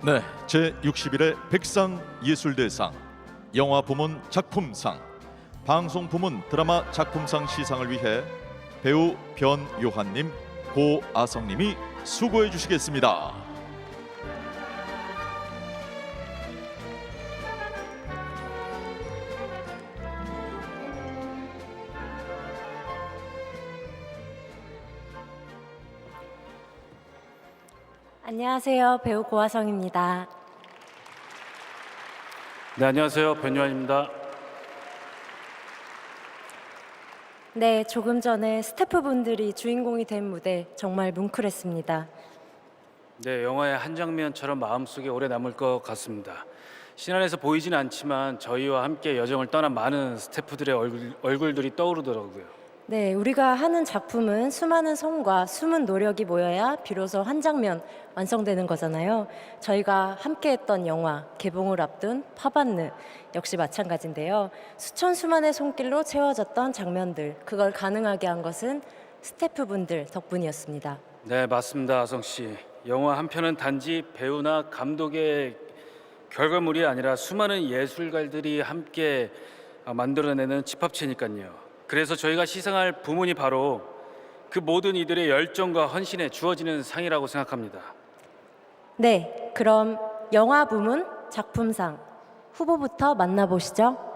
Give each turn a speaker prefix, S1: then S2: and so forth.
S1: 네, 제61회 백상예술대상 영화 부문 작품상, 방송 부문 드라마 작품상 시상을 위해 배우 변요한님, 고아성님이 수고해 주시겠습니다.
S2: 안녕하세요. 배우 고아성입니다.
S3: 네, 안녕하세요. 변요한입니다.
S2: 네, 조금 전에 스태프분들이 주인공이 된 무대 정말 뭉클했습니다.
S3: 네, 영화의 한 장면처럼 마음속에 오래 남을 것 같습니다. 신안에서 보이진 않지만 저희와 함께 여정을 떠난 많은 스태프들의 얼굴들이 떠오르더라고요.
S2: 네, 우리가 하는 작품은 수많은 손과 숨은 노력이 모여야 비로소 한 장면 완성되는 거잖아요. 저희가 함께했던 영화 개봉을 앞둔 파반느 역시 마찬가지인데요. 수천 수만의 손길로 채워졌던 장면들, 그걸 가능하게 한 것은 스태프분들 덕분이었습니다.
S3: 네, 맞습니다. 아성 씨. 영화 한 편은 단지 배우나 감독의 결과물이 아니라 수많은 예술가들이 함께 만들어내는 집합체니까요. 그래서 저희가 시상할 부문이 바로 그 모든 이들의 열정과 헌신에 주어지는 상이라고 생각합니다.
S2: 네, 그럼 영화 부문 작품상 후보부터 만나보시죠.